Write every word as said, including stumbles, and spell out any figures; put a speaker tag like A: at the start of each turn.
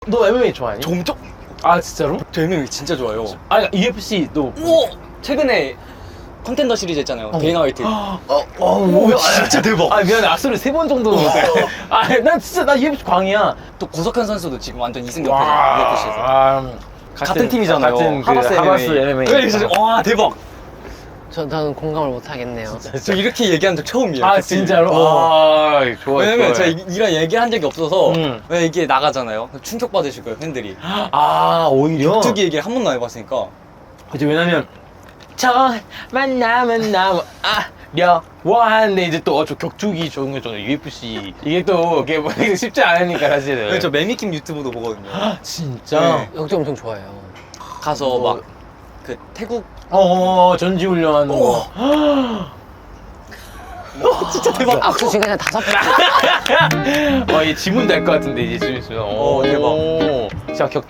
A: 너 엠엠에이 좋아하니?
B: 저 엄청
A: 아 진짜로?
B: 저 엠엠에이 진짜 좋아요.
A: 아니 유에프씨 너
B: 우와! 최근에 컨텐더 시리즈 했잖아요.
A: 어.
B: 데이나 화이트.
A: 어, 어, 오,
B: 진짜 대박.
A: 아 미안해 악수를 세 번 정도 못해. 아난 진짜 나 유에프씨 광이야.
B: 또 고석현 선수도 지금 완전 이승 옆에서 유에프씨에서.
A: 아,
B: 같은 팀이잖아요.
A: 같은 그
B: 하바스
A: 하바스
B: 엠엠에이.
A: 엠엠에이.
B: 네, 진짜 와 대박.
C: 저, 저는 공감을 못 하겠네요.
B: 저 이렇게 얘기한 적 처음이에요.
A: 아
B: 그 팀.
A: 진짜로?
B: 어.
A: 아 좋아.
B: 왜냐면
A: 좋아요.
B: 제가 이- 이런 얘기한 적이 없어서
A: 음.
B: 왜 이게 나가잖아요. 충격 받으실 거예요 팬들이.
A: 아 오히려.
B: 격투기 얘기를 한 번도 안 해봤으니까.
A: 그치 왜냐면 저 만나면 나무 아려워 하는데 이제 또 어, 저 격투기 좋은 거 저는 유에프씨 이게 또 이게 뭐 쉽지 않으니까 사실은.
B: 네, 저 매미킴 유튜브도 보거든요.
A: 아, 진짜.
B: 네.
C: 영재 엄청 좋아해요.
B: 가서
A: 뭐-
B: 막 그 태국
A: 어 전지훈련하는 거.
B: 진짜 대박.
C: 악수 지금 그냥 다섯 번.
A: 어, 얘 지문 될 것 같은데 이제 좀 있으면.
B: 어, 대박.
A: 오. 자, 격